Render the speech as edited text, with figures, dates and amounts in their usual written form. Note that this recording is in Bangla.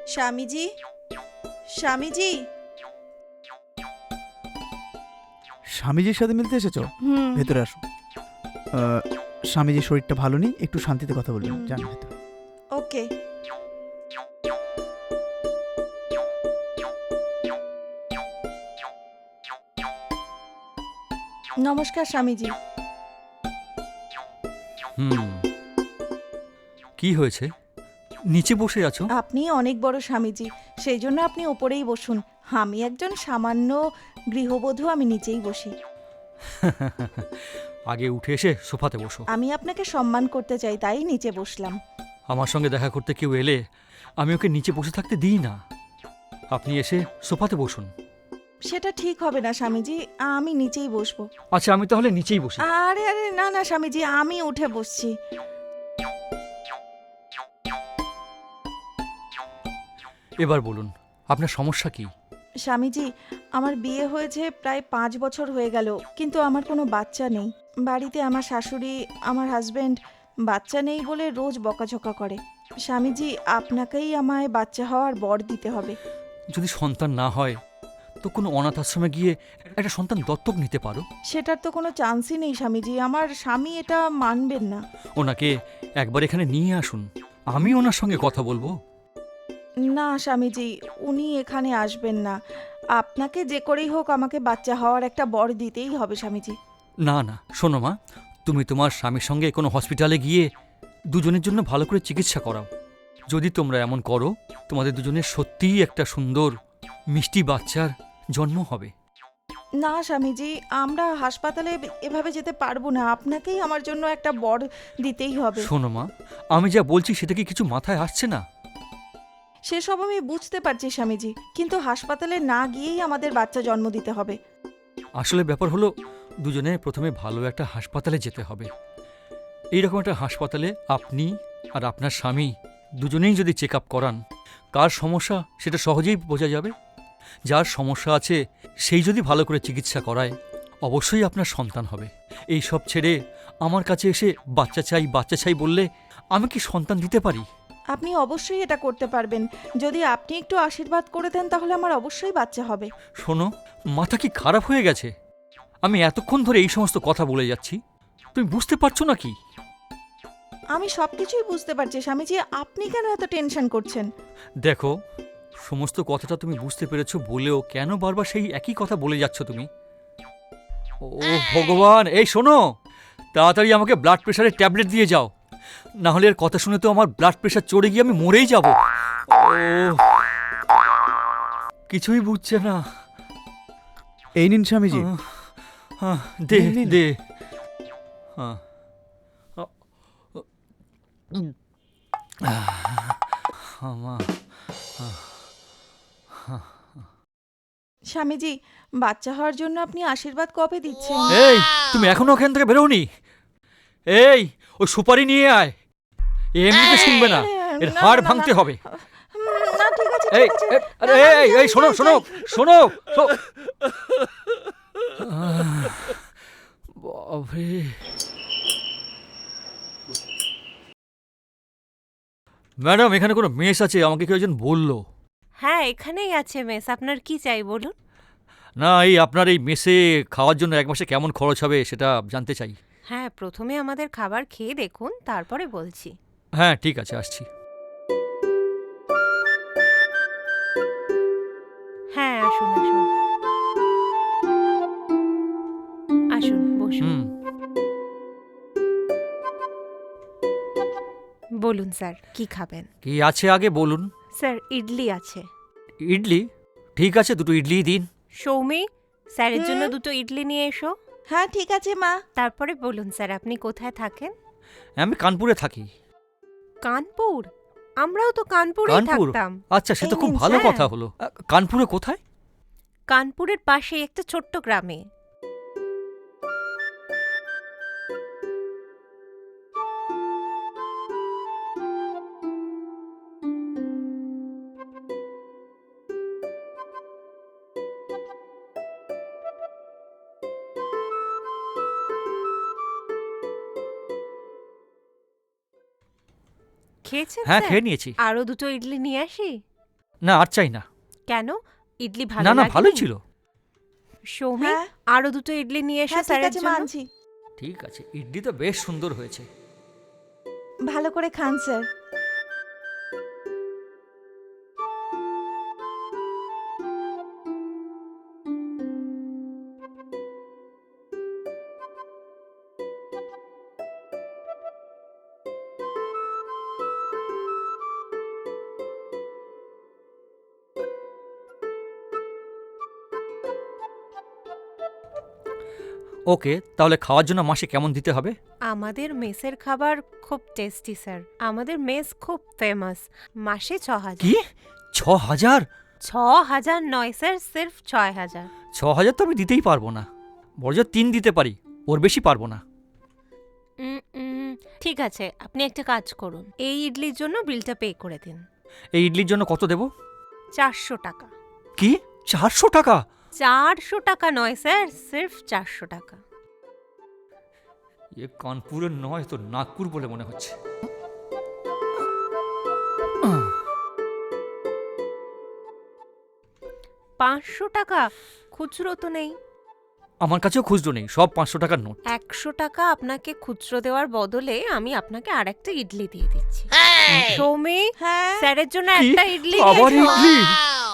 স্বামীজি, স্বামীজি। স্বামীজির সাথে মিলতে এসেছো? হুম। ভেতরে আসো। স্বামীজির শরীরটা ভালো নেই, একটু শান্তিতে কথা বলবেন। যান ভেতরে। ওকে। নমস্কার স্বামীজি। হুম। কি হয়েছে? নিচে বসে আছো? আপনি অনেক বড় স্বামীজি, সেই জন্য আপনি ওপরেই বসুন। আমি একজন সামান্য গৃহবধূ, আমি নিচেই বসি। আগে উঠে এসে সোফাতে বসো। আমি আপনাকে সম্মান করতে চাই, তাই নিচে বসলাম। আমার সঙ্গে দেখা করতে কেউ এলে আমি ওকে নিচে বসে থাকতে দিই না। আপনি এসে সোফাতে বসুন। সেটা ঠিক হবে না স্বামীজি, আমি নিচেই বসবো। আচ্ছা, আমি তাহলে নিচেই বসি। আরে আরে, না না স্বামীজি, আমি উঠে বসছি। এবার বলুন, আপনার সমস্যা কি? স্বামীজি, আমার বিয়ে হয়েছে প্রায় 5 বছর হয়ে গেল, কিন্তু আমার কোনো বাচ্চা নেই। বাড়িতে আমার শাশুড়ি, আমার হাজবেন্ড বাচ্চা নেই বলে রোজ বকাঝকা করে। স্বামীজি, আপনাকেই আমায় বাচ্চা হওয়ার বর দিতে হবে। যদি সন্তান না হয় তো কোনো অনাথ আশ্রমে গিয়ে একটা সন্তান দত্তক নিতে পারো। সেটার তো কোনো চান্সই নেই স্বামীজি, আমার স্বামী এটা মানবেন না। ওনাকে একবার এখানে নিয়ে আসুন, আমি ওনার সঙ্গে কথা বলবো। না স্বামীজি, উনি এখানে আসবেন না। আপনাকে যে করেই হোক আমাকে বাচ্চা হওয়ার একটা বর দিতেই হবে স্বামীজি। না না, শোনো মা, তুমি তোমার স্বামীর সঙ্গে কোনো হসপিটালে গিয়ে দুজনের জন্য ভালো করে চিকিৎসা করাও। যদি তোমরা এমন করো, তোমাদের দুজনের সত্যিই একটা সুন্দর মিষ্টি বাচ্চার জন্ম হবে। না স্বামীজি, আমরা হাসপাতালে এভাবে যেতে পারবো না, আপনাকেই আমার জন্য একটা বর দিতেই হবে। শোনো মা, আমি যা বলছি সেটা কি কিছু মাথায় আসছে না? সেসব আমি বুঝতে পারছি স্বামীজি, কিন্তু হাসপাতালে না গিয়েই আমাদের বাচ্চা জন্ম দিতে হবে। আসলে ব্যাপার হলো, দুজনে প্রথমে ভালো একটা হাসপাতালে যেতে হবে। এইরকম একটা হাসপাতালে আপনি আর আপনার স্বামী দুজনেই যদি চেক আপ করান, কার সমস্যা সেটা সহজেই বোঝা যাবে। যার সমস্যা আছে সেই যদি ভালো করে চিকিৎসা করায়, অবশ্যই আপনার সন্তান হবে। এই সব ছেড়ে আমার কাছে এসে বাচ্চা চাই বাচ্চা চাই বললে আমি কি সন্তান দিতে পারি? আপনি অবশ্যই এটা করতে পারবেন। যদি আপনি একটু আশীর্বাদ করে দেন তাহলে আমার অবশ্যই বাচ্চা হবে। শোনো, মাথা কি খারাপ হয়ে গেছে? আমি এতক্ষণ ধরে এই সমস্ত কথা বলে যাচ্ছি, তুমি বুঝতে পারছো না কি? আমি সব কিছুই বুঝতে পারছি স্বামীজি, আপনি কেন এত টেনশন করছেন? দেখো, সমস্ত কথাটা তুমি বুঝতে পেরেছো বলেও কেন বারবার সেই একই কথা বলে যাচ্ছ তুমি? ও ভগবান, এই শোনো, তাড়াতাড়ি আমাকে ব্লাড প্রেশারের ট্যাবলেট দিয়ে যাও, না হলে এর কথা শুনে তো আমার ব্লাড প্রেশার চড়ে গিয়ে আমি মরেই যাব। ও, কিছুই বুঝছে না। এই নিন স্বামীজি। আহ, দে নিন, নিন। দে। আহ, আমা, স্বামীজি, বাচ্চা হওয়ার জন্য আপনি আশীর্বাদ কবে দিচ্ছেন? এই, তুমি এখনো ওখান থেকে বেরোনি? এই, ওই সুপারি নিয়ে আয়। এমনিতে শুনবে না, এর না, হাড় না, ভাঙতে না। হবে। না ঠিক আছে এই ঠিক আছে। আরে, না, এই যাই, এই শোনো যাই, শোনো যাই। শোনো বাবরে। ম্যাডাম, এখানে কোনো মেস আছে, আমাকে কেউ একজন বললো। হ্যাঁ, এখানেই আছে মেস। আপনার কি চাই বলুন? না, এই আপনার এই মেসে খাওয়ার জন্য এক মাসে কেমন খরচ হবে সেটা জানতে চাই। হ্যাঁ, প্রথমে আমাদের খাবার খেয়ে দেখুন, তারপরে বলছি। হ্যাঁ ঠিক আছে, আসছি। হ্যাঁ, আসুন আসুন। আসুন, বসুন। হুম। বলুন স্যার, কি খাবেন? কি আছে আগে বলুন। স্যার, ইডলি আছে। ইডলি? ঠিক আছে, দুটো ইডলি দিন। সৌমি, স্যারের জন্য হুম? 2টো ইডলি নিয়ে এসো। হ্যাঁ ঠিক আছে মা। তারপরে বলুন স্যার, আপনি কোথায় থাকেন? আমি কানপুরে থাকি। কানপুর? আমরাও তো কানপুরেই কানপুর? থাকতাম। আচ্ছা, সে তো এই খুব নিন, ভালো স্যার। কথা হলো। কানপুরে কোথায়? কানপুরের পাশে একটা ছোট্ট গ্রামে। খেয়েছেন হ্যাঁ, স্যার? খেয়ে নিয়েছি। আরো 2টো ইডলি নিয়ে আসি? না আর চাই না। কেন, ইডলি ভালো না না, লাগেনি? ভালোই ছিল। সৌমি, হ্যাঁ আরো দুটো ইডলি নিয়ে এসো হ্যাঁ ঠিক স্যারের আছে জন্য। মানছি। ঠিক আছে, ইডলি তো বেশ সুন্দর হয়েছে। ভালো করে খান স্যার। ওকে, তাহলে খাওয়ার জন্য মাসে কেমন দিতে হবে? আমাদের মেসের খাবার খুব টেস্টি স্যার, আমাদের মেস খুব ফেমাস। মাসে 6,000। কি 6,000? 6,000 নয় স্যার, সির্ফ 6,000। 6,000 তো আমি দিতেই পারবো না, বড় 3 দিতে পারি, ওর বেশি পারবো না। ঠিক আছে, আপনি একটা কাজ করুন, এই ইডলির জন্য বিলটা পে করে দিন। এই ইডলির জন্য কত দেব? 400 টাকা। কি 400 টাকা? 400 টাকা নয় স্যার, সির্ফ 400 টাকা। এ কানপুরের নয় তো নাগপুর বলে মনে হচ্ছে। 500 টাকা খুচরো তো নেই। আমার কাছেও খুচরো নেই, সব 500 টাকার নোট। 100 টাকা আপনাকে খুচরো দেওয়ার বদলে আমি আপনাকে আরেকটা ইডলি দিয়ে দিচ্ছি। সৌমি, হ্যাঁ স্যারের জন্য কি? একটা ইডলি আবার নিয়ে এসো। ইডলি?